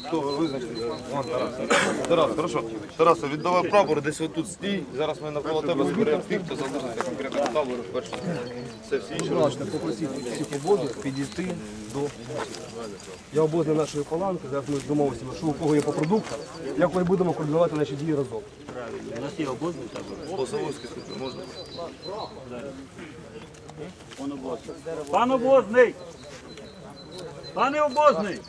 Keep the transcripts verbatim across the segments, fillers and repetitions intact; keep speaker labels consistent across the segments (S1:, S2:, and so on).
S1: хто ви визначите? Вон, Тарас. Тарас, хорошо. Тарас, віддавай прапор, десь отут стій. Зараз ми навколо тебе зберемо тих, хто залишиться конкретно до табору. Перше. Все, всі інші.
S2: Будь ласка, попросіть психободу підійти до... Я обозна нашої паланки, зараз ми домовимося, що у кого є по продуктах, як ми будемо координувати наші дії разом.
S3: У нас є обозний табор.
S1: По Савойській службі можна?
S3: Пан обозний. Пан обозний! Пане обозний!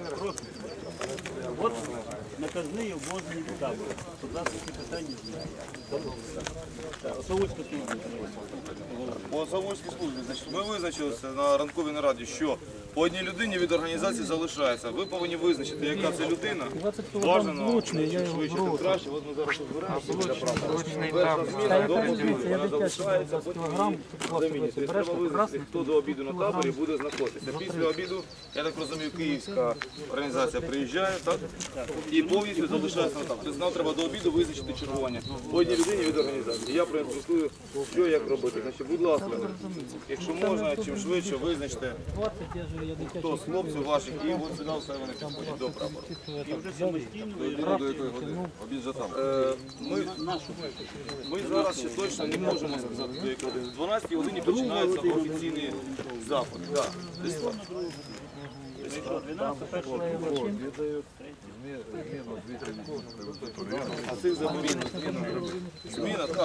S3: От наказний обозний табор. Будь ласка, ці питання знають. Савойська служба.
S1: По Савойській службі, значить, ми визначилися на ранковій нараді, що по одній людині від організації залишається. Ви повинні визначити, яка це людина. Бажано, чим швидше, тим краще. От ми зараз збираємося. Перша зміна до обіду. Вона залишається, потім замінюється. Тобто треба визначити, хто до обіду на таборі буде знаходитися. Після обіду, я так розумію, київська організація приїжджає, так? І повністю залишається на таборі. Тобто нам треба до обіду визначити чергування по одній людині від організації. Я проінструкую, що як робити. Значить, будь ласка, якщо можна, чим швидше визначте, хто з хлопців ваших, і от сюди все вони підходять до прапору.
S3: І вже самостійно
S1: Обід вже там. Е, Ми, ми зараз ще точно не можемо сказати, до якої години. О дванадцятій годині починається офіційний запит. Да. Десь так.
S3: дванадцять, першого
S1: А цих замовів зміна. Зміна, так.